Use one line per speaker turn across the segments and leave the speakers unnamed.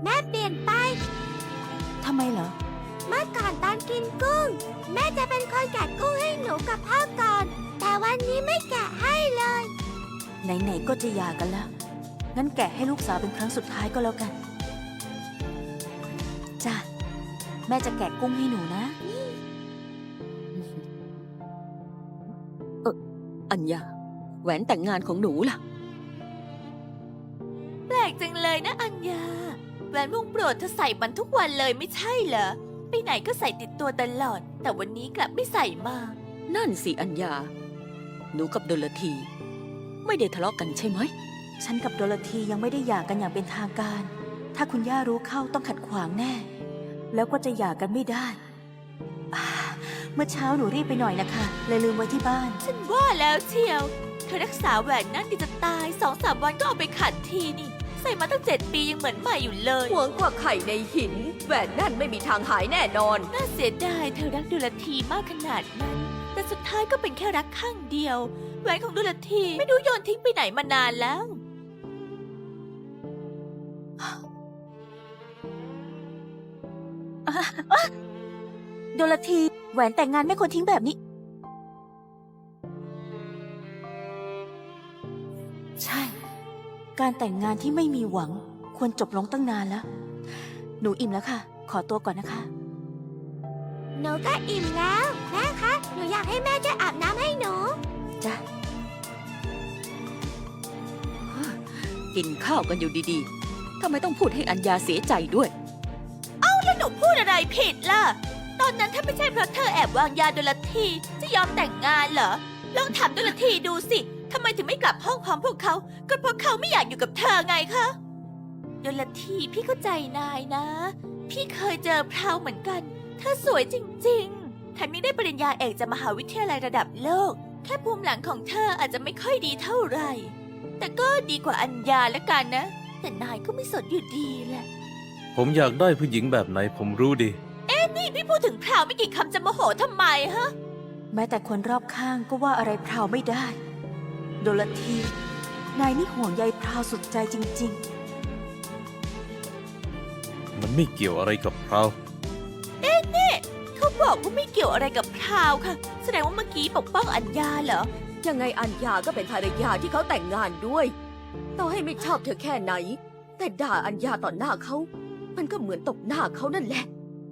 แม่เปลี่ยนไป
ทำไมเหรอ
เมื่อก่อนตอนกินกุ้ง แม่จะเป็นคนแกะกุ้งให้หนูกับพ่อก่อน แต่วันนี้ไม่แกะให้เลย
ไหนๆก็จะหย่ากันแล้ว งั้นแกะให้ลูกสาวเป็นครั้งสุดท้ายก็แล้วกัน จ้ะ แม่จะแกะกุ้งให้หนูนะ
อัญญาแหวนแต่งงานของหนูล่ะ
แปลกจังเลยนะอัญญาแหวนวงโปรดเธอใส่มันทุกวันเลยไม่ใช่เหรอไปไหนก็ใส่ติดตัวตลอด แต่วันนี้กลับไม่ใส่มา
นั่นสิอัญญา หนูกับดลที ไม่ได้ทะเลาะกันใช่ไหม
ฉันกับโดโรธียังไม่ได้หย่ากันอย่างเป็นทางการ ถ้าคุณย่ารู้เข้าต้องขัดขวางแน่ แล้วก็จะหย่ากันไม่ได้อ่าเมื่อเช้าหนูรีบไปหน่อยนะคะเลยลืมไว้ที่บ้าน
ฉันว่าแล้วเชียวเธอรักษาแหวนนั่นดีจะตาย2-3 วันก็เอาไปขัดทีนี่ ใส่มาตั้ง7 ปียังเหมือนใหม่อยู่เลย
หวงกว่าไข่ในหิน แหวนนั่นไม่มีทางหายแน่นอน
น่าเสียดายเธอรักดุลทีมากขนาดนั้น แต่สุดท้ายก็เป็นแค่รักข้างเดียวแหวนของดุลทีไม่รู้โยนทิ้งไปไหนมานานแล้ว
โดโรธีแหวนแต่งงานไม่ควรทิ้งแบบนี้ ใช่ การแต่งงานที่ไม่มีหวัง ควรจบลงตั้งนานแล้ว หนูอิ่มแล้วค่ะ ขอตัวก่อนนะคะ
หนูก็อิ่มแล้ว แม่คะ หนูอยากให้แม่ช่วยอาบน้ำให้หนู
จ้ะ
กินข้าวกันอยู่ดีๆทำไมต้องพูดให้อัญญาเสียใจด้วย
แล้วหนูพูดอะไรผิดล่ะ ตอนนั้นถ้าไม่ใช่เพราะเธอแอบวางยาดุลทีจะยอมแต่งงานเหรอ ลองถามดุลทีดูสิ ทำไมถึงไม่กลับห้องพร้อมพวกเขา ก็เพราะเขาไม่อยากอยู่กับเธอไงคะดุลทีพี่เข้าใจนายนะ พี่เคยเจอพราวเหมือนกัน เธอสวยจริงๆแถมยังได้ปริญญาเอกจากมหาวิทยาลัยระดับโลก แค่ภูมิหลังของเธออาจจะไม่ค่อยดีเท่าไหร่ แต่ก็ดีกว่าอัญญาแล้วกันนะ แต่นายก็ไม่สนอยู่ดีแหละ
ผมอยากได้ผู้หญิงแบบไหนผมรู้ดี
นี่พี่พูดถึงพราวไม่กี่คำจะโมโหทำไมฮะ
แม้แต่คนรอบข้างก็ว่าอะไรพราวไม่ได้ โดโรธีนายนี่ห่วงใยพราวสุดใจจริง
มันไม่เกี่ยวอะไรกับเรา
เขาบอกว่าไม่เกี่ยวอะไรกับพราวค่ะ แสดงว่าเมื่อกี้ปกป้องอัญญาเหรอ
ยังไงอัญญาก็เป็นภรรยาที่เขาแต่งงานด้วย ต่อให้ไม่ชอบเธอแค่ไหน แต่ด่าอัญญาต่อหน้าเขา มันก็เหมือนตบหน้าเขานั่นแหละ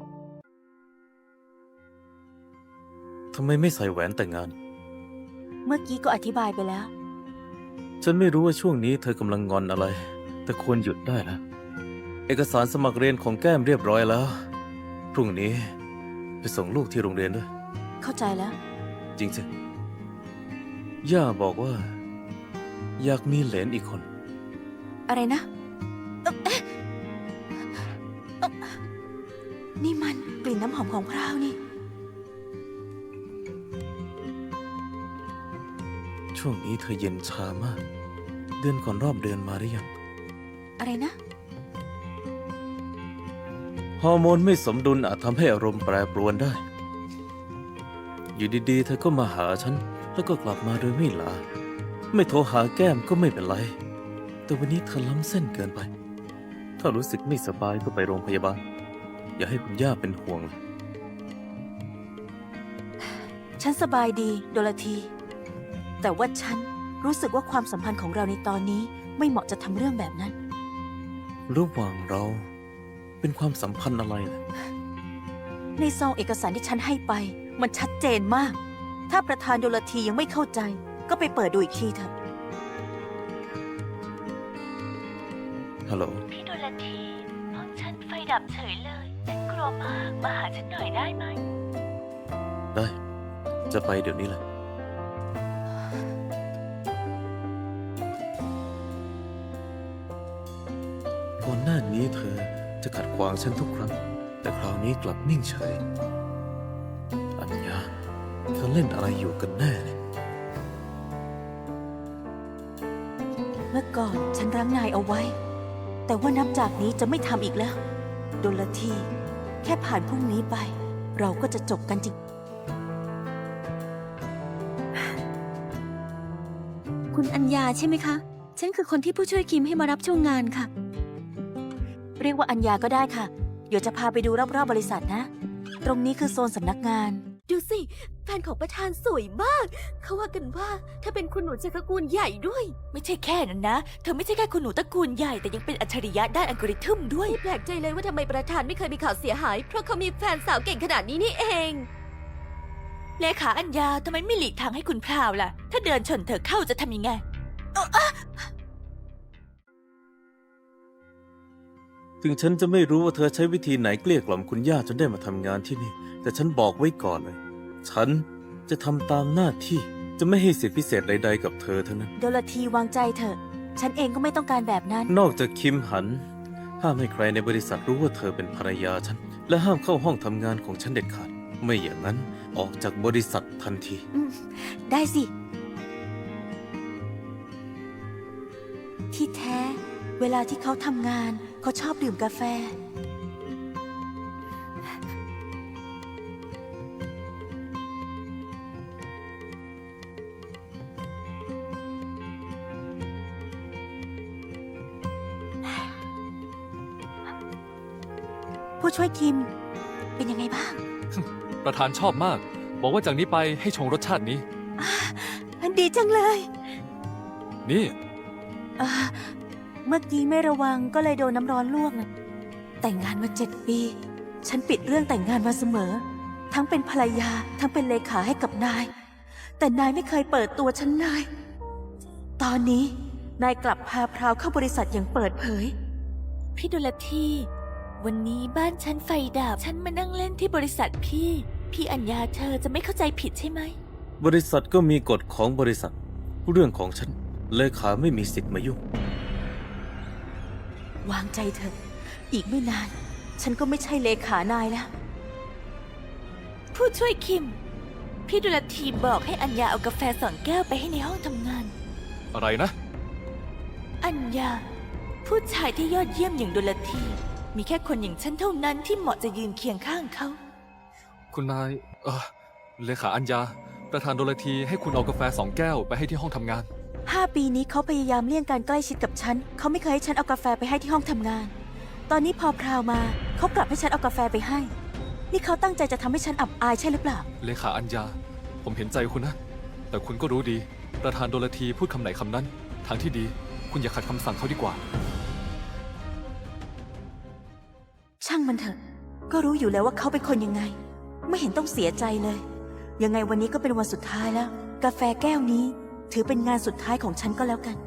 ทำไมไม่ใส่แหวนแต่งงาน
ๆ เมื่อกี้ก็อธิบายไปแล้ว
ฉันไม่รู้ว่าช่วงนี้เธอกำลังงอนอะไร แต่ควรหยุดได้แล้ว เอกสารสมัครเรียนของแก้มเรียบร้อยแล้ว พรุ่งนี้ไปส่งลูกที่โรงเรียนด้วย
เข้าใจแล้ว
จริงสิ ย่าบอกว่า อยากมีเหลนอีกคน
อะไรนะนี่มันกลิ่นน้ำหอมของพราวนี่
ช่วงนี้เธอเย็นชามาก เดือนก่อนรอบเดือนมาหรือยัง
อะไรนะ
ฮอร์โมนไม่สมดุลอาจทำให้อารมณ์แปรปรวนได้ อยู่ดีๆ เธอก็มาหาฉัน แล้วก็กลับมาโดยไม่ลา ไม่โทรหาแก้มก็ไม่เป็นไร แต่วันนี้เธอล้ำเส้นเกินไป ถ้ารู้สึกไม่สบายก็ไปโรงพยาบาล อย่าให้คุณย่าเป็นห่วงเลย
ฉันสบายดีโดโรธีแต่ว่าฉันรู้สึกว่าความสัมพันธ์ของเราในตอนนี้ไม่เหมาะจะทำเรื่องแบบนั้น
ระหว่างเราเป็นความสัมพันธ์อะไรล่ะ
ในซองเอกสารที่ฉันให้ไป มันชัดเจนมาก ถ้าประธานโดโรธียังไม่เข้าใจ ก็ไปเปิดดูอีกทีเถอะ
ฮัลโหล
พี่ดุลทีห้องฉันไฟดับเฉยเลย ฉันกลัวมาก มาหาฉันหน่อยได้ไหม
ได้ จะไปเดี๋ยวนี้แหละ ก่อนหน้านี้เธอจะขัดขวางฉันทุกครั้ง แต่คราวนี้กลับนิ่งเฉย อัญญาเธอเล่นอะไรอยู่กันแน่เนี่ย
เมื่อก่อนฉันรั้งนายเอาไว้ แต่ว่านับจากนี้จะไม่ทำอีกแล้ว โดโรธีแค่ผ่านพรุ่งนี้ไป เราก็จะจบกันจริง
คุณอัญญาใช่ไหมคะ ฉันคือคนที่ผู้ช่วยคิมให้มารับช่วงงานค่ะ
เรียกว่าอัญญาก็ได้ค่ะ เดี๋ยวจะพาไปดูรอบๆบริษัทนะ ตรงนี้คือโซนสำนักงาน
ดูสิ แฟนของประธานสวยมาก เขาว่ากันว่าถ้าเป็นคุณหนูจากตระกูลใหญ่ด้วย
ไม่ใช่แค่นั้นนะ เธอไม่ใช่แค่คุณหนูตระกูลใหญ่ แต่ยังเป็นอัจฉริยะด้านอัลกอริทึมด้วย
ไม่แปลกใจเลยว่าทำไมประธานไม่เคยมีข่าวเสียหาย เพราะเขามีแฟนสาวเก่งขนาดนี้นี่เอง
เลขาอัญญาทำไมไม่หลีกทางให้คุณพราวล่ะ ถ้าเดินชนเธอเข้าจะทำยังไง
ถึงฉันจะไม่รู้ว่าเธอใช้วิธีไหนเกลี้ยกล่อมคุณย่าจนได้มาทำงานที่นี่ แต่ฉันบอกไว้ก่อนเลย ฉันจะทำตามหน้าที่จะไม่ให้สิทธิพิเศษใดๆกับเธอทั้งนั้น
โดลทีวางใจเถอะ ฉันเองก็ไม่ต้องการแบบนั้น
นอกจากคิมหัน ห้ามให้ใครในบริษัทรู้ว่าเธอเป็นภรรยาฉัน และห้ามเข้าห้องทำงานของฉันเด็ดขาด ไม่อย่างนั้นออกจากบริษัททันที
ได้สิ ที่แท้ เวลาที่เขาทำงาน เขาชอบดื่มกาแฟ ผู้ช่วยคิม เป็นยังไงบ้าง
ประธานชอบมาก บอกว่าจากนี้ไปให้ชงรสชาตินี้
ดีจังเลย
นี่
อ่าเมื่อกี้ไม่ระวังก็เลยโดนน้ำร้อนลวกนะแต่งงานมา7 ปี ฉันปิดเรื่องแต่งงานมาเสมอ ทั้งเป็นภรรยา ทั้งเป็นเลขาให้กับนาย แต่นายไม่เคยเปิดตัวฉันเลย ตอนนี้นายกลับพาพราวเข้าบริษัทอย่างเปิดเผย
พี่ดุลทีวันนี้บ้านฉันไฟดับ ฉันมานั่งเล่นที่บริษัทพี่ พี่อัญญาเธอจะไม่เข้าใจผิดใช่ไหม
บริษัทก็มีกฎของบริษัท เรื่องของฉันเลขาไม่มีสิทธิ์มายุ่ง
วางใจเถอะ อีกไม่นาน ฉันก็ไม่ใช่เลขานายแล้ว
ผู้ช่วยคิม พี่ดุลทีบอกให้อัญญาเอากาแฟ2 แก้วไปให้ในห้องทำงาน
อะไรนะ
อัญญา ผู้ชายที่ยอดเยี่ยมอย่างดุลที มีแค่คนอย่างฉันเท่านั้นที่เหมาะจะยืนเคียงข้างเขา
คุณนาย เลขาอัญญา ประธานโดลทีให้คุณเอากาแฟ2 แก้วไปให้ที่ห้องทำงาน
5 ปีนี้เขาพยายามเลี่ยงการใกล้ชิดกับฉัน เขาไม่เคยให้ฉันเอากาแฟไปให้ที่ห้องทำงาน ตอนนี้พอพราวมา เขากลับให้ฉันเอากาแฟไปให้ นี่เขาตั้งใจจะทำให้ฉันอับอายใช่หรือเปล่า
เลขาอัญญา ผมเห็นใจคุณนะ แต่คุณก็รู้ดี ประธานโดลทีพูดคำไหนคำนั้น ทางที่ดี คุณอย่าขัดคำสั่งเขาดีกว่า
ช่างมันเถอะ ก็รู้อยู่แล้วว่าเขาเป็นคนยังไง ไม่เห็นต้องเสียใจเลย ยังไงวันนี้ก็เป็นวันสุดท้ายแล้ว กาแฟแก้วนี้ ถือเป็นงานสุดท้ายของฉันก็แล้วกัน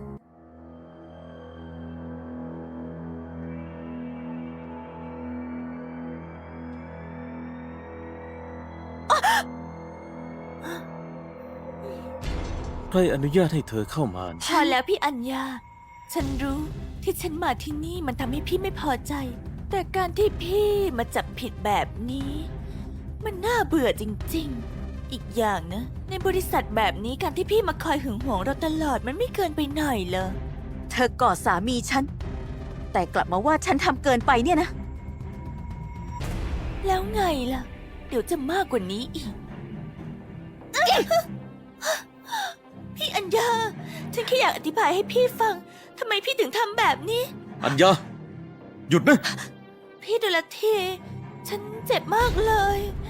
ใครอนุญาตให้เธอเข้ามา
พอแล้วพี่อัญญา ฉันรู้ที่ฉันมาที่นี่มันทำให้พี่ไม่พอใจ แต่การที่พี่มาจับผิดแบบนี้ มันน่าเบื่อจริงๆ อีกอย่างนะ ในบริษัทแบบนี้การที่พี่มาคอยหึงหวงเราตลอดมันไม่เกินไปหน่อยเหรอ
เธอกอดสามีฉัน แต่กลับมาว่าฉันทำเกินไปเนี่ยนะ
แล้วไงล่ะ เดี๋ยวจะมากกว่านี้อีก พี่อัญญา ฉันแค่อยากอธิบายให้พี่ฟังทำไมพี่ถึงทำแบบนี้
อัญญา หยุดนะ
พี่ดุลทีฉันเจ็บมากเลย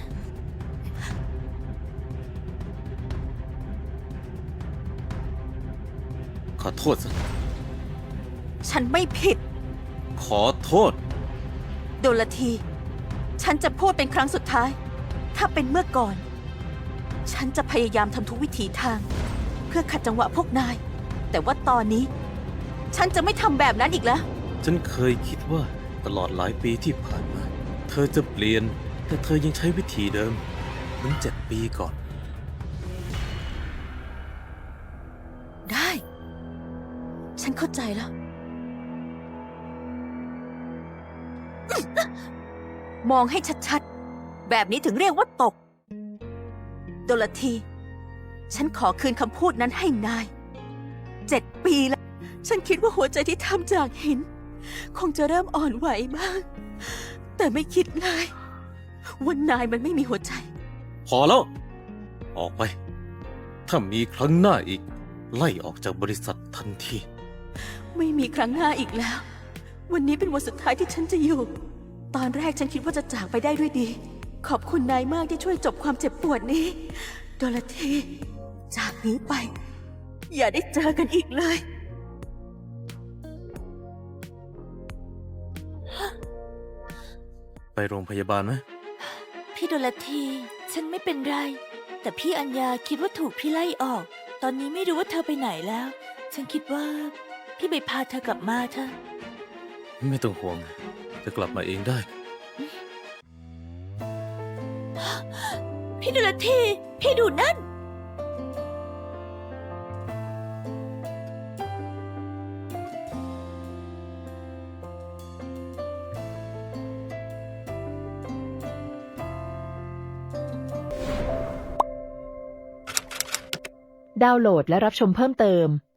ขอโทษซะ
ฉันไม่ผิด
ขอโทษ
โดลที ฉันจะพูดเป็นครั้งสุดท้าย ถ้าเป็นเมื่อก่อน ฉันจะพยายามทำทุกวิถีทาง เพื่อขัดจังหวะพวกนาย แต่ว่าตอนนี้ ฉันจะไม่ทำแบบนั้นอีกแล้ว
ฉันเคยคิดว่าตลอดหลายปีที่ผ่านมา เธอจะเปลี่ยน แต่เธอยังใช้วิธีเดิมเหมือน7 ปีก่อน
ได้ ฉันเข้าใจแล้ว มองให้ชัดๆ แบบนี้ถึงเรียกว่าตก โดลที ฉันขอคืนคำพูดนั้นให้นาย 7 ปีแล้ว ฉันคิดว่าหัวใจที่ทำจากหิน คงจะเริ่มอ่อนไหวบ้าง แต่ไม่คิดเลยว่านายมันไม่มีหัวใจ
พอแล้ว ออกไป ถ้ามีครั้งหน้าอีก ไล่ออกจากบริษัททันที
ไม่มีครั้งหน้าอีกแล้ววันนี้เป็นวันสุดท้ายที่ฉันจะอยู่ ตอนแรกฉันคิดว่าจะจากไปได้ด้วยดี ขอบคุณนายมากที่ช่วยจบความเจ็บปวดนี้ โดลธี จากนี้ไป อย่าได้เจอกันอีกเลย
ไปโรงพยาบาลไหม
พี่โดลธี ฉันไม่เป็นไร แต่พี่อัญญาคิดว่าถูกพี่ไล่ออก ตอนนี้ไม่รู้ว่าเธอไปไหนแล้ว ฉันคิดว่า พี่ไปพาเธอกลับมาเถอะ
ไม่ต้องห่วงจะกลับมาเองได้
พี่โดลธี พี่ดูนั่น
ดาวน์โหลดและรับชมเพิ่มเติม